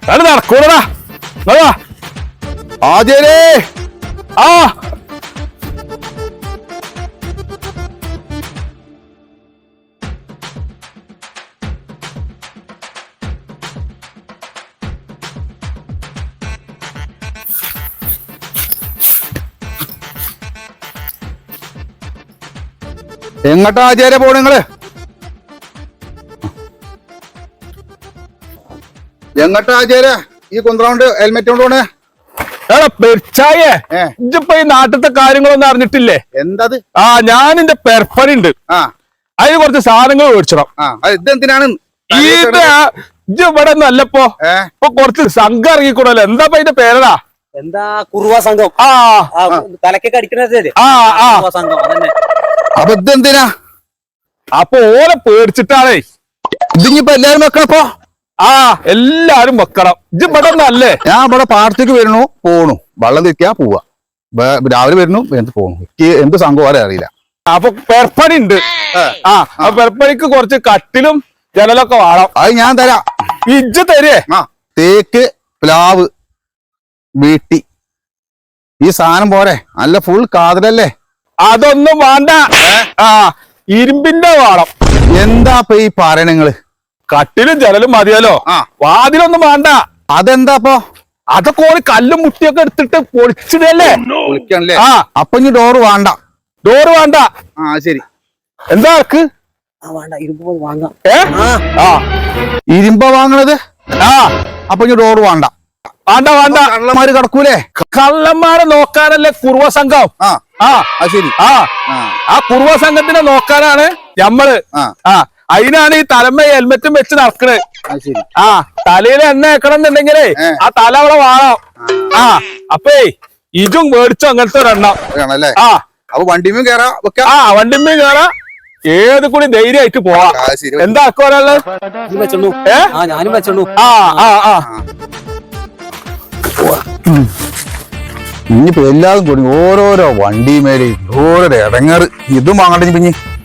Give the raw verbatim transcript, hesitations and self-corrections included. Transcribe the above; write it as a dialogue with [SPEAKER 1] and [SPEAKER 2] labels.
[SPEAKER 1] അത് നടക്കൂടാ ആദ്യേ ആ എങ്ങട്ടാ ആചാര്യ പോണ നിങ്ങള് എങ്ങട്ടാ ആചാര്യ ഈ കുന്ത്രോണ്ട് ഹെൽമെറ്റ് കൊണ്ട് പോണേ പെരിച്ചായേ ഇജ്ജിപ്പോ ഈ നാട്ടിലത്തെ കാര്യങ്ങളൊന്നും അറിഞ്ഞിട്ടില്ലേ? എന്തത്? ആ ഞാൻ എന്റെ പെർപ്പണി ഉണ്ട്, ആ അതിന് കുറച്ച് സാധനങ്ങൾ മേടിച്ചിടാം. ഇതെന്തിനാണ് ഇത്? ഇജ്ജ് ഇവിടെ ഒന്നും അല്ലപ്പോ ഇപ്പൊ കുറച്ച് സംഘം ഇറങ്ങിക്കൂടല്ലോ. എന്താ അതിന്റെ പേരടാ?
[SPEAKER 2] എന്താ കുറുവ സംഘം. ആ തലക്കൊക്കെ അടിക്കണത്. ആ ആ സംഘം അതന്നെ.
[SPEAKER 1] അപ്പൊ ഇതെന്തിനാ? അപ്പൊ ഓരെ പേടിച്ചിട്ടാണേ. ഇതിങ്ങിപ്പോ എല്ലാരും വെക്കണപ്പോ? ആ എല്ലാരും വെക്കണം. ഇജ്ജ് ഇവിടെ ഒന്നല്ലേ? ഞാൻ ഇവിടെ പാടത്തേക്ക് വരുന്നു പോണു, വെള്ളം തിരിക്കാ പോവാ, രാവിലെ വരുന്നു എന്ത് പോണു, എനിക്ക് എന്ത് സംഭവം അറിയില്ല. അപ്പൊ പെർപ്പണി ഉണ്ട്. ആ അപ്പൊ പെർപ്പണിക്ക് കുറച്ച് കട്ടിലും ജനലൊക്കെ വേണം. അത് ഞാൻ തരാം. ഇജ്ജ് തരേ? ആ തേക്ക് പ്ലാവ് വീട്ടി ഈ സാധനം പോരെ? നല്ല ഫുൾ കാതലല്ലേ? അതൊന്നും വേണ്ട. ആ ഇരുമ്പിന്റെ വേണം. എന്താ ഇപ്പൊ ഈ പറയണ നിങ്ങള്? കട്ടിലും ജനലും മതിയല്ലോ, വാതിലൊന്നും വേണ്ട. അതെന്താപ്പോ? അതൊക്കെ ഓരോ കല്ലും മുട്ടിയൊക്കെ എടുത്തിട്ട് പൊളിച്ചിടല്ലേ. ആ അപ്പൊ ഇനി ഡോറ് വേണ്ട. ഡോറ് വേണ്ട. ആ ശരി. എന്താ ആർക്ക്? ഏ ആ ഇരുമ്പ വാങ്ങണത്? ആ അപ്പൊ ഇനി ഡോറ് വേണ്ട. വേണ്ട വേണ്ട. കള്ളന്മാര് കിടക്കൂലേ? കള്ളന്മാരെ നോക്കാനല്ലേ കുറുവ സംഘം. ആ ആ ശരി. ആ ആ കുറുവ സംഘത്തിനെ നോക്കാനാണ് ഞമ്മള്. ആ അതിനാണ് ഈ തലമ്മ ഹെൽമെറ്റും വെച്ച് നടക്കണത്. ആ തലയിൽ എണ്ണ വെക്കണം എന്നുണ്ടെങ്കിലേ ആ തല അവിടെ വേണം. ആ അപ്പേ ഇതും മേടിച്ചോ അങ്ങനത്തെ ഒരെണ്ണം. ആ അപ്പൊ വണ്ടിമേ കേറാ. ആ വണ്ടിമേ കേറാ, ഏത് കൂടി ധൈര്യമായിട്ട് പോവാ. എന്താ ആക്കുവാനുള്ളത്? ആ ആ ആ ഇനിയിപ്പോ എല്ലാതും കൂടി ഓരോരോ വണ്ടിമേലെ ഓരോരോ ഇടങ്ങാറ്. ഇതും വാങ്ങട്ടെ പിന്നെ.